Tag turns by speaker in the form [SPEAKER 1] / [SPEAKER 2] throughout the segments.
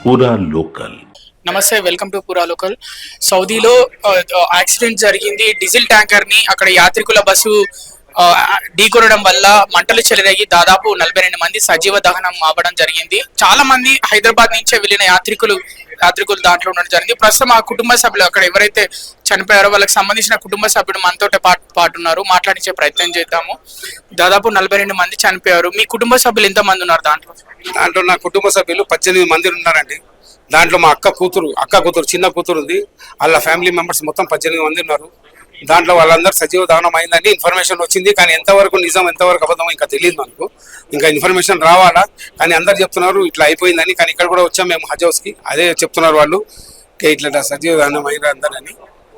[SPEAKER 1] పూరా లోకల్.
[SPEAKER 2] నమస్తే, welcome to Poora local. సౌదీలో యాక్సిడెంట్ జరిగింది. డీజిల్ ట్యాంకర్ ని అక్కడ యాత్రికుల బస్సు ఢీకొనడం వల్ల మంటలు చెలరేగి దాదాపు 42 మంది సజీవ దహనం అవ్వడం జరిగింది. చాలా మంది హైదరాబాద్ నుంచే వెళ్ళిన యాత్రికులు దాంట్లో ఉండడం జరిగింది. ప్రస్తుతం ఆ కుటుంబ సభ్యులు అక్కడ ఎవరైతే చనిపోయారో వాళ్ళకి సంబంధించిన కుటుంబ సభ్యుడు మనతో పాటున్నారు. మాట్లాడించే ప్రయత్నం చేద్దాము. దాదాపు 42 మంది చనిపోయారు. మీ కుటుంబ సభ్యులు ఎంత మంది ఉన్నారు దాంట్లో?
[SPEAKER 3] నా కుటుంబ సభ్యులు 18 మంది ఉన్నారండి. దాంట్లో మా అక్క కూతురు చిన్న కూతురు ఉంది. వాళ్ళ ఫ్యామిలీ మెంబర్స్ మొత్తం 18 మంది ఉన్నారు. దాంట్లో వాళ్ళందరూ సజీవ దహనం అయిందని ఇన్ఫర్మేషన్ వచ్చింది. కానీ ఎంతవరకు నిజం ఎంతవరకు అబద్ధం ఇంకా తెలియదు మనకు. ఇంకా ఇన్ఫర్మేషన్ రావాలా, కానీ అందరు చెప్తున్నారు ఇట్లా అయిపోయిందని. కానీ ఇక్కడ కూడా వచ్చాం మేము హజ్ హౌస్కి, అదే చెప్తున్నారు వాళ్ళు ఇట్లా సజీవ దహనం అయిన అందరని.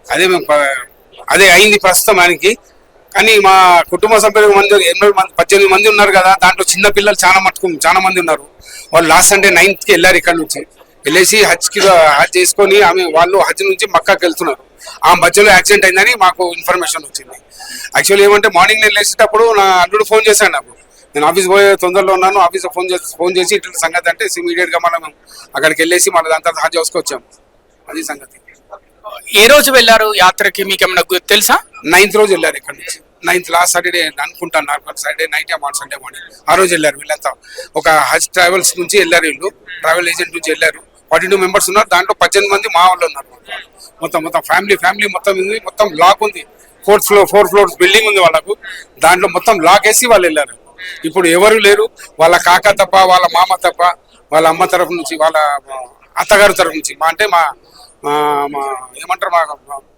[SPEAKER 3] అదే అయింది ప్రస్తుతం ఆయనకి. కానీ మా కుటుంబ సభ్యులు 18 మంది ఉన్నారు కదా, దాంట్లో చిన్న పిల్లలు చాలా మంది ఉన్నారు. వాళ్ళు లాస్ట్ సండే 9th వెళ్ళారు. ఇక్కడ నుంచి వెళ్ళేసి హజ్ చేసుకొని వాళ్ళు హజ్ నుంచి మక్కాకి వెళ్తున్నారు. ఆ మధ్యలో యాక్సిడెంట్ అయిందని మాకు ఇన్ఫర్మేషన్ వచ్చింది. యాక్చువల్లీ ఏమంటే మార్నింగ్ నేను లేచేటప్పుడు నా అల్లుడు ఫోన్ చేశాను నాకు. నేను ఆఫీస్ పోయే తొందరలో ఉన్నాను. ఆఫీస్లో ఫోన్ చేసి ఇట్లా సంగతి అంటే ఇమీడియట్ గా మనం అక్కడికి వెళ్ళేసి మన దాంతో హజ్ హౌస్కి వచ్చాము. అది సంగతి.
[SPEAKER 2] ఏ రోజు వెళ్ళారు యాత్రకి, మీకు ఏమన్నా తెలుసా?
[SPEAKER 3] 9th రోజు వెళ్ళారు ఇక్కడ నుంచి. 9th లాస్ట్ సాటర్డే అనుకుంటాను, సాటర్డే నైట్ సండే మార్నింగ్ ఆ రోజు వెళ్ళారు వీళ్ళంతా. ఒక హజ్ ట్రావెల్స్ నుంచి వెళ్ళారు వీళ్ళు, ట్రావెల్ ఏజెంట్ నుంచి వెళ్ళారు. 42 మెంబర్స్ ఉన్నారు. దాంట్లో 18 మంది మా వాళ్ళు ఉన్నారు. మొత్తం ఫ్యామిలీ మొత్తం లాక్ ఉంది. 4 ఫ్లోర్స్ బిల్డింగ్ ఉంది వాళ్ళకు. దాంట్లో మొత్తం లాక్ వేసి వాళ్ళు వెళ్ళారు. ఇప్పుడు ఎవరు లేరు. వాళ్ళ కాక తప్ప, వాళ్ళ మామ తప్ప, వాళ్ళ అమ్మ తరఫు నుంచి, వాళ్ళ అత్తగారు తరఫు నుంచి, అంటే మా ఏమంటారు మా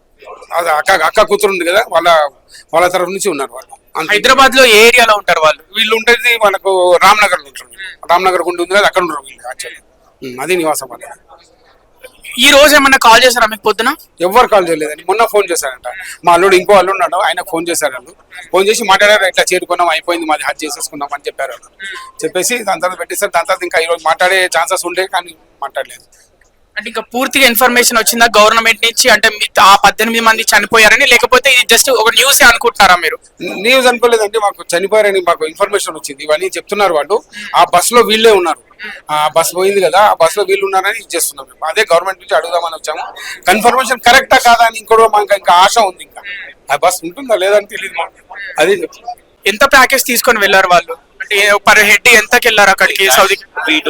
[SPEAKER 3] అక్క కూతురు ఉంది కదా, వాళ్ళ తరఫు నుంచి ఉన్నారు వాళ్ళు.
[SPEAKER 2] హైదరాబాద్ లో ఏ ఏరియాలో ఉంటారు వాళ్ళు?
[SPEAKER 3] వీళ్ళు ఉంటుంది మనకు రామ్నగర్ లో ఉంటారు. రామ్నగర్ గుండి ఉంది కదా, అక్కడ ఉంటారు వీళ్ళు. యాక్చువల్లీ అది నివాసం వాళ్ళు.
[SPEAKER 2] ఈ రోజు ఏమన్నా కాల్ చేశారా మీకు పొద్దున?
[SPEAKER 3] ఎవరు కాల్ చేయలేదండి. మొన్న ఫోన్ చేశారంట. మా అల్లుడు ఇంకో అల్లుడు ఉన్నాడు, ఆయనకు ఫోన్ చేశారు. వాళ్ళు ఫోన్ చేసి మాట్లాడారు, ఇట్లా చేరుకున్నాం, అయిపోయింది, మాది హజ్ చేసేసుకున్నాం అని చెప్పారు. చెప్పేసి దాని తర్వాత పెట్టేశారు. దాని తర్వాత ఇంకా ఈరోజు మాట్లాడే ఛాన్సెస్ ఉండే, కానీ మాట్లాడలేదు.
[SPEAKER 2] అంటే ఇంకా పూర్తిగా ఇన్ఫర్మేషన్ వచ్చిందా గవర్నమెంట్ నుంచి? అంటే ఆ 18 మంది చనిపోయారని, లేకపోతే ఇది జస్ట్ ఒక న్యూస్ అనుకుంటున్నారా మీరు?
[SPEAKER 3] న్యూస్ అనుకోలేదండి, మాకు చనిపోయారని మాకు ఇన్ఫర్మేషన్ వచ్చింది. ఇవన్నీ చెప్తున్నారు వాళ్ళు. ఆ బస్ లో వీళ్ళే ఉన్నారు. ఆ బస్ పోయింది కదా, ఆ బస్ లో వీళ్ళు ఉన్నారని ఇచ్చేస్తున్నాం మేము. అదే గవర్నమెంట్ నుంచి అడుగుదామని వచ్చాము. కన్ఫర్మేషన్ కరెక్టా కాదా అని ఇంకోటి మాకు ఇంకా ఆశ ఉంది. ఇంకా ఆ బస్ ఉంటుందా లేదని తెలియదు మాకు. అది
[SPEAKER 2] ఎంత ప్యాకేజ్ తీసుకొని వెళ్ళారు వాళ్ళు? అంటే పర్ హెడ్ ఎంతకి వెళ్ళారు అక్కడికి సౌదీకి?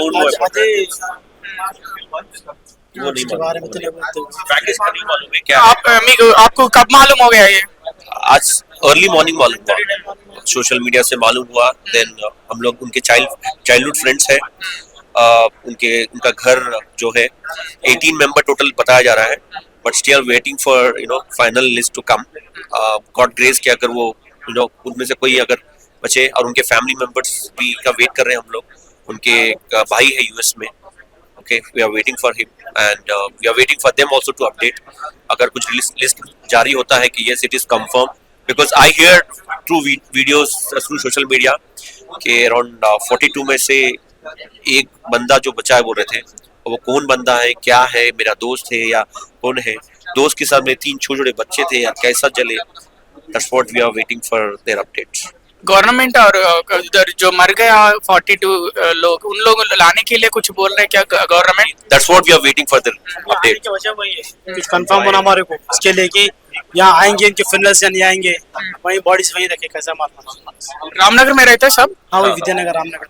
[SPEAKER 2] आपको कब मालूम हो गया ये?
[SPEAKER 4] आज अर्ली मॉर्निंग मालूम हुआ, सोशल मीडिया से मालूम हुआ. देन हम लोग उनके चाइल्डहुड फ्रेंड्स हैं. उनका घर जो है 18 मेंबर टोटल बताया जा रहा है, but still waiting for final list to come. God grace कि अगर वो उनमें से कोई अगर बचे, और उनके फैमिली मेंबर्स भी का वेट कर रहे हैं हम लोग. उनके भाई है यूएस में. Okay, we are waiting for him and we are waiting for them also to update. अगर कुछ लिस्ट जारी होता है कि yes it is confirmed, because I hear through videos through social media कि around 42 में से एक बंदा जो बचा है बोल रहे थे. वो कौन बंदा है, क्या है, मेरा दोस्त है या कौन है? दोस्त के साथ में 3 छोटे बच्चे थे या कैसा चले? That's what we are waiting for their updates.
[SPEAKER 2] Government और इधर जो मर गया 42 लोग, उन लोगों लाने के लिए कुछ बोल रहे हैं क्या government?
[SPEAKER 4] That's what we are waiting for the update.
[SPEAKER 5] कुछ कंफर्म होना हमारे को इसके लिए कि यहाँ आएंगे, इनके फिनल से नहीं आएंगे, वहीं बॉडीज वहीं रखे, कैसा मारना.
[SPEAKER 2] रामनगर में रहते हैं सब?
[SPEAKER 5] हाँ, वही विद्यानगर रामनगर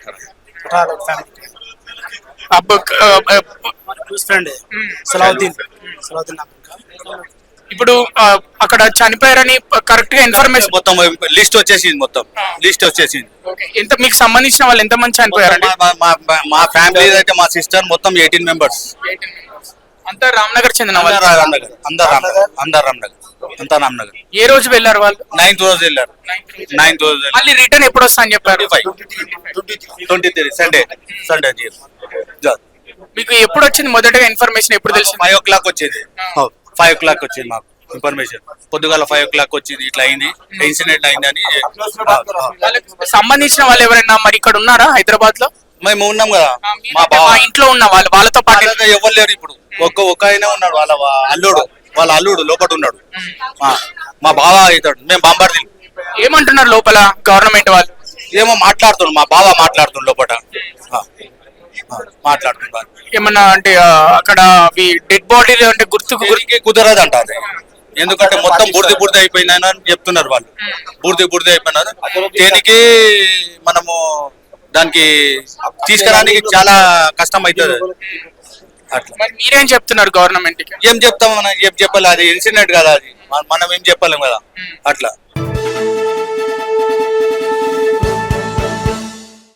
[SPEAKER 2] अब
[SPEAKER 5] फ्रेंड है सलाउद्दीन नाम.
[SPEAKER 2] ఇప్పుడు అక్కడ చనిపోయారని కరెక్ట్ గా ఇన్ఫర్మేషన్
[SPEAKER 6] మొత్తం లిస్ట్ వచ్చేసింది.
[SPEAKER 2] ఎంత మీకు సంబంధించిన వాళ్ళు ఎంత మంది చనిపోయారండి?
[SPEAKER 6] మా ఫ్యామిలీ అయితే మా సిస్టర్ మొత్తం 18 మెంబర్స్.
[SPEAKER 2] అంతా రామ్నగర్ చెందిన వాళ్ళు?
[SPEAKER 6] అంతా రామ్నగర్.
[SPEAKER 2] ఏ రోజు వెళ్ళారు వాళ్ళు?
[SPEAKER 6] 9th రోజు వెళ్ళారు.
[SPEAKER 2] మళ్ళీ రిటర్న్ ఎప్పుడు వస్తా అని చెప్పారు?
[SPEAKER 6] 23 సండే.
[SPEAKER 2] మీకు ఎప్పుడు వచ్చింది మొదటగా ఇన్ఫర్మేషన్? ఎప్పుడు తెలిసింది?
[SPEAKER 6] 5 o'clock వచ్చింది. 5 o'clock వచ్చింది మాకు ఇన్ఫర్మేషన్. పొద్దుగాల 5 o'clock వచ్చింది, ఇట్లా అయింది, ఇన్సిడెంట్ అయిందని.
[SPEAKER 2] సంబంధించిన వాళ్ళు ఎవరైనా మరి ఇక్కడ ఉన్నారా హైదరాబాద్ లో?
[SPEAKER 6] మేము ఉన్నాం కదా,
[SPEAKER 2] మా ఇంట్లో ఉన్న వాళ్ళతో పాటు
[SPEAKER 6] ఎవరు లేరు ఇప్పుడు. ఒక్క ఆయన ఉన్నాడు, వాళ్ళ అల్లుడు లోపల ఉన్నాడు. మా బావ అవుతాడు. మేము బాంబార్ది.
[SPEAKER 2] ఏమంటున్నారు లోపల గవర్నమెంట్ వాళ్ళు?
[SPEAKER 6] ఏమో మాట్లాడుతున్నాడు, మా బావ మాట్లాడుతున్నాడు లోపల మాట్లాడుతున్నారు.
[SPEAKER 2] ఏమన్నా అంటే అక్కడ అవి డెడ్ బాడీ అంటే గుర్తుకు
[SPEAKER 6] గురికి కుదరదు అంట అది. ఎందుకంటే మొత్తం బుడిది బుడిది అయిపోయినాయని అని చెప్తున్నారు వాళ్ళు. బుడిది బుడిది అయిపోయినారు. దేనికి మనము దానికి తీసుకురానికి చాలా కష్టం అవుతుంది అట్లా.
[SPEAKER 2] మరి మీరేం చెప్తున్నారు గవర్నమెంట్ కి?
[SPEAKER 6] ఏం చెప్తాం మనం, ఏం చెప్పాలి, అది ఇన్సిడెంట్ కదా, అది మనం ఏం చెప్పలేం కదా అట్లా.